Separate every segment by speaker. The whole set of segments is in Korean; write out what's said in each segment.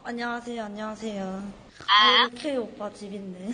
Speaker 1: 안녕하세요, 안녕하세요. 여기 K 오빠 집인데.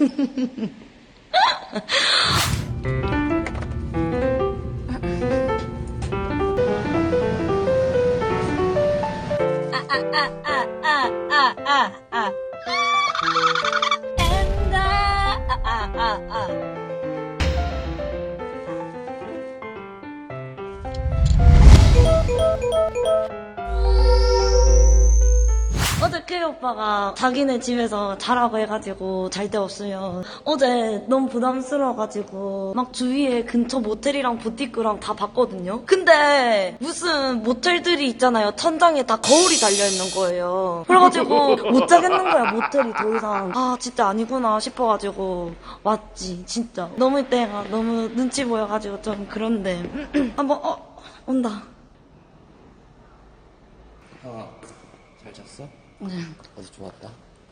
Speaker 1: 어제 K 오빠가 자기네 집에서 자라고 해가지고 잘 데 없으면 어제 너무 부담스러워가지고 막 주위에 근처 모텔이랑 부티크랑 다 봤거든요. 근데 무슨 모텔들이 있잖아요. 천장에 다 거울이 달려있는 거예요. 그래가지고 못 자겠는 거야, 모텔이 더 이상. 아 진짜 아니구나 싶어가지고 왔지. 진짜 너무 이때가 너무 눈치 보여가지고 좀 그런데 한번 온다.
Speaker 2: 잘 잤어?
Speaker 1: 네.
Speaker 2: 어제 좋았다.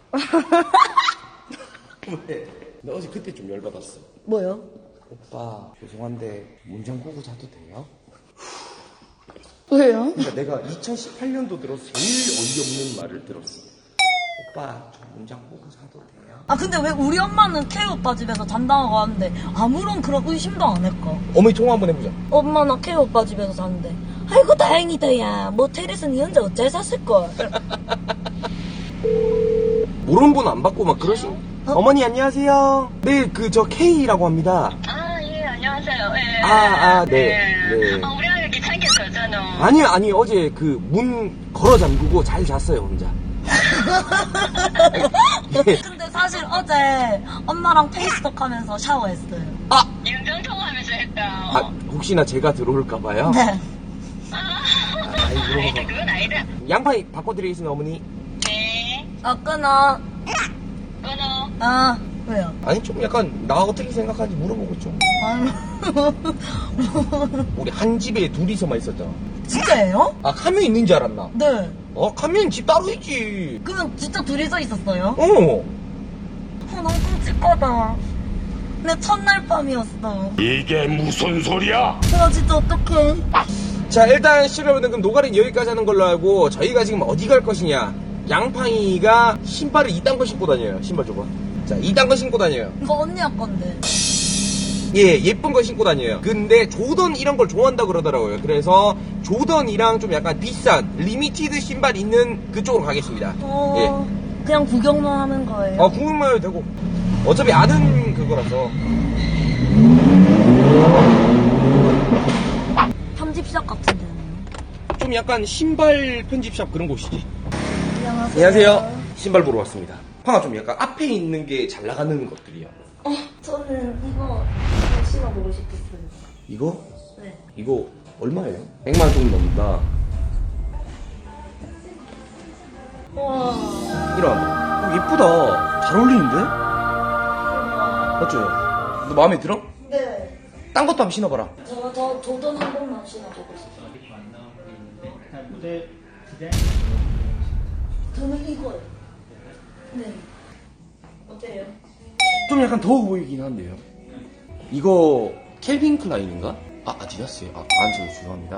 Speaker 2: 왜? 나 어제 그때 좀 열받았어.
Speaker 1: 뭐요?
Speaker 2: 오빠 죄송한데 문장 보고 자도 돼요?
Speaker 1: 왜요?
Speaker 2: 그러니까 내가 2018년도 들어서 제일 어이없는 말을 들었어. 오빠 저 문장 보고 자도 돼요?
Speaker 1: 아 근데 왜 우리 엄마는 K 오빠 집에서 잔다고 하는데 아무런 그런 의심도 안 했고.
Speaker 2: 어머니 통화 한번 해보자.
Speaker 1: 엄마 나 K 오빠 집에서 자는데 아이고 다행이다 야 모텔에서 니 혼자 어째 샀을걸.
Speaker 2: 모르는 분 안 받고 막 그러시. 어머니 안녕하세요. 네 그 저 K라고 합니다.
Speaker 3: 예, 안녕하세요. 예.
Speaker 2: 네.
Speaker 3: 우리가 귀찮게 잤잖아.
Speaker 2: 아니 어제 그 문 걸어 잠그고 잘 잤어요 혼자.
Speaker 1: 근데 사실 어제 엄마랑 페이스톡 하면서 샤워했어요.
Speaker 3: 영정통화하면서 했다.
Speaker 2: 혹시나 제가 들어올까봐요.
Speaker 1: 네.
Speaker 3: 아니다, 그건 아니다.
Speaker 2: 양파 바꿔드리겠습니다 어머니.
Speaker 3: 네,
Speaker 1: 끊어.
Speaker 3: 끊어.
Speaker 1: 왜요?
Speaker 2: 아니 좀 약간 나 어떻게 생각하는지 물어보고 좀. 우리 한 집에 둘이서만 있었잖아.
Speaker 1: 진짜예요?
Speaker 2: 아 카면 있는 줄 알았나?
Speaker 1: 네.
Speaker 2: 카면 집 따로 있지.
Speaker 1: 그러면 진짜 둘이서 있었어요?
Speaker 2: 어.
Speaker 1: 너무 끔찍하다. 내 첫날 밤이었어.
Speaker 4: 이게 무슨 소리야?
Speaker 1: 나 진짜 어떡해.
Speaker 2: 자 일단 시청자분들 그럼 노가리는 여기까지 하는 걸로 알고 저희가 지금 어디 갈 것이냐. 양팡이가 신발을 이딴 거 신고 다녀요. 신발 줘봐. 자 이딴 거 신고 다녀요.
Speaker 1: 이거 언니야 건데.
Speaker 2: 예, 예쁜 거 신고 다녀요. 근데 조던 이런 걸 좋아한다 그러더라고요. 그래서 조던이랑 좀 약간 비싼 리미티드 신발 있는 그쪽으로 가겠습니다. 예.
Speaker 1: 그냥 구경만 하는 거예요.
Speaker 2: 구경만 해도 되고. 어차피 아는 그거라서.
Speaker 1: 편집샵 같은데.
Speaker 2: 좀 약간 신발 편집샵 그런 곳이지.
Speaker 1: 안녕하세요.
Speaker 2: 안녕하세요. 신발 보러 왔습니다. 팡아 좀 약간 앞에 있는 게 잘 나가는 것들이야.
Speaker 1: 저는 이거 신어보고 싶었어요.
Speaker 2: 이거?
Speaker 1: 네.
Speaker 2: 이거 얼마예요? 100만 원 정도 넘는다.
Speaker 1: 와.
Speaker 2: 이런. 예쁘다. 잘 어울리는데? 맞죠? 너 마음에 들어?
Speaker 1: 네.
Speaker 2: 딴 것도 한번 신어봐라.
Speaker 1: 저 조던 한 번만 신어보고 싶어요. 저는 이거요. 네. 어때요?
Speaker 2: 좀 약간 더워 보이긴 한데요. 이거 켈빈 클라인인가? 아디다스예요. 저 죄송합니다.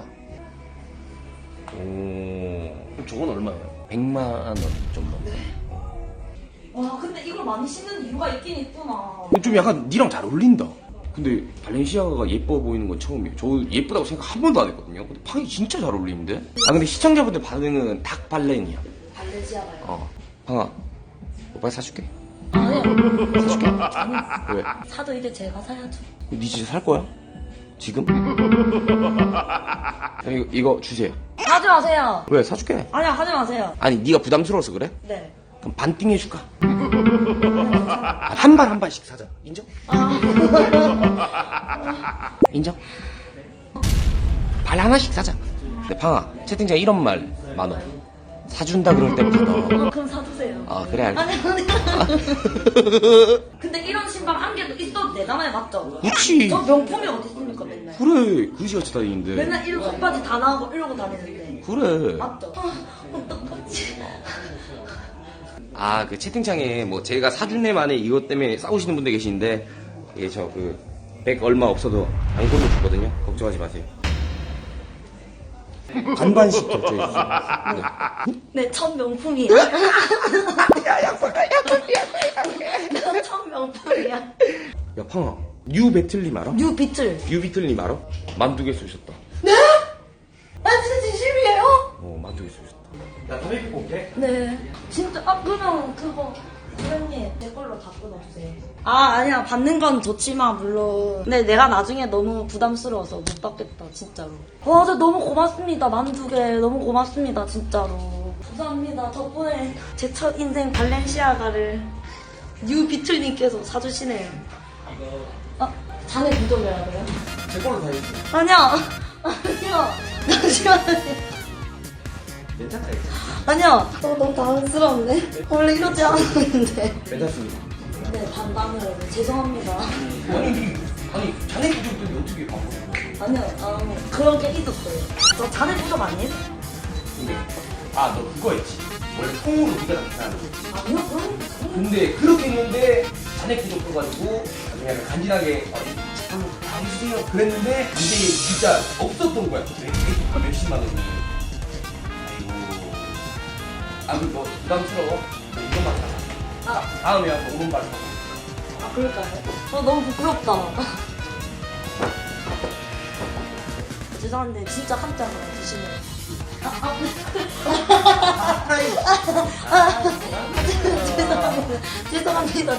Speaker 2: 그럼 저건 얼마예요? 100만 원 정도.
Speaker 1: 와 근데 이걸 많이 신는 이유가 있긴 있구나.
Speaker 2: 좀 약간 니랑 잘 어울린다. 근데 발렌시아가가 예뻐 보이는 건 처음이에요. 저 예쁘다고 생각 한 번도 안 했거든요. 근데 팡이 진짜 잘 어울리는데? 근데 시청자분들 반응은 닭 발렌이야.
Speaker 1: 발렌시아가요?
Speaker 2: 팡아, 오빠 사줄게.
Speaker 1: 아니요.
Speaker 2: 사줄게. 왜?
Speaker 1: 사도 이제 제가 사야죠.
Speaker 2: 니 진짜 살 거야? 지금? 이거 주세요.
Speaker 1: 하지 마세요.
Speaker 2: 왜? 사줄게.
Speaker 1: 아니야 하지 마세요.
Speaker 2: 아니 네가 부담스러워서 그래?
Speaker 1: 네.
Speaker 2: 그럼 반띵 해줄까? 한 발씩 사자. 인정? 인정? 발 하나씩 사자. 근데 팡아 채팅창에 이런 말 많어. 사준다 그럴 때부터
Speaker 1: 그럼 사주세요.
Speaker 2: 그래 알겠어.
Speaker 1: 아니. 근데 이런 신발 한 개도 있어도 되잖아요, 맞죠?
Speaker 2: 그치.
Speaker 1: 저 명품이 어디 있습니까, 맨날?
Speaker 2: 그래 그지같이 다니는데.
Speaker 1: 맨날 이런 속바지 다 나오고 이러고 다니는데.
Speaker 2: 그래.
Speaker 1: 맞죠? 어떡하지?
Speaker 2: 그 채팅창에 뭐 제가 사준 애 만에 이것 때문에 싸우시는 분들 계시는데 이게 저 100 얼마 없어도 안 골로 주거든요. 걱정하지 마세요. 반반씩 결제해주세요.
Speaker 1: 네, 첫 명품이야. 첫 명품이야.
Speaker 2: 야, 팡아. 뉴 배틀님 알아?
Speaker 1: 뉴 비틀.
Speaker 2: 뉴 비틀님 알아? 만두 개 쏘셨다.
Speaker 1: 아, 진짜 진심이에요?
Speaker 2: 만두 개 쏘셨다. 나 담배 피고 올게.
Speaker 1: 네. 진짜, 그냥 그거. 선생님, 제 걸로 다 끊었어요. 아니야. 받는 건 좋지만, 물론. 근데 내가 나중에 너무 부담스러워서 못 받겠다, 진짜로. 와, 진짜 너무 고맙습니다. 만두개. 너무 고맙습니다, 진짜로. 감사합니다. 덕분에 제 첫 인생 발렌시아가를 뉴 비틀님께서 사주시네요. 자네 구독해야 돼요?
Speaker 2: 제 걸로 다 해주세요.
Speaker 1: 아니야. 잠시만요.
Speaker 2: 괜찮다,
Speaker 1: 아니야. 너무 당황스럽네. 원래 이러지 않았는데.
Speaker 2: 괜찮습니다.
Speaker 1: 네, 반반으로. 죄송합니다.
Speaker 2: 아니, 자네 구독들이 어떻게 바꿔?
Speaker 1: 아니요, 그런 게 있었어요. 저 자네 구독 아니에요?
Speaker 2: 근데, 너 그거 했지. 원래 통으로 네가 다 계산하는 거지.
Speaker 1: 아니요, 그런 게
Speaker 2: 근데 그렇게 했는데 자네 구독 해가지고 그냥 간지나게 당신이요 그랬는데 이게 진짜 없었던 거야. 몇십만 원이. 아이고. 너 부담스러워? 너 이것만 사자. 다음에 와서 5만 발 사자.
Speaker 1: 그럴까요? 저 너무 부끄럽다. 죄송한데, 진짜 한 잔만 드시면. 죄송합니다.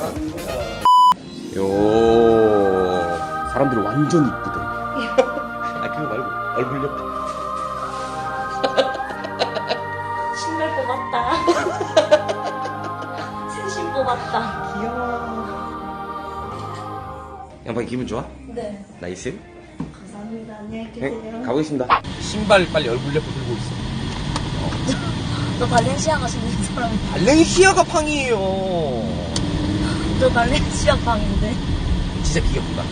Speaker 2: 사람들이 완전 이쁘대. 그거 말고 얼굴 옆에.
Speaker 1: 신발 뽑았다. 신신 뽑았다.
Speaker 2: 귀여워. 양반이 기분 좋아?
Speaker 1: 네.
Speaker 2: 나이스.
Speaker 1: 감사합니다. 안녕히 계세요.
Speaker 2: 가보겠습니다. 신발 빨리 얼굴 옆에 들고 있어.
Speaker 1: 저 발렌시아가 신는 사람.
Speaker 2: 발렌시아가 팡이에요.
Speaker 1: 저 발렌시아 방인데.
Speaker 2: 진짜 귀엽다.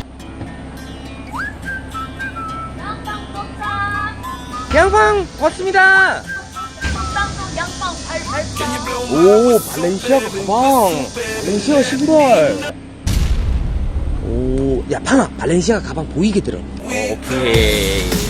Speaker 1: 양빵 도착.
Speaker 2: 양팡 왔습니다.
Speaker 1: 양빵 발발빵.
Speaker 2: 오, 발렌시아 가방. 발렌시아 신발. 오, 야, 팡아, 발렌시아 가방 보이게 들어. 오케이.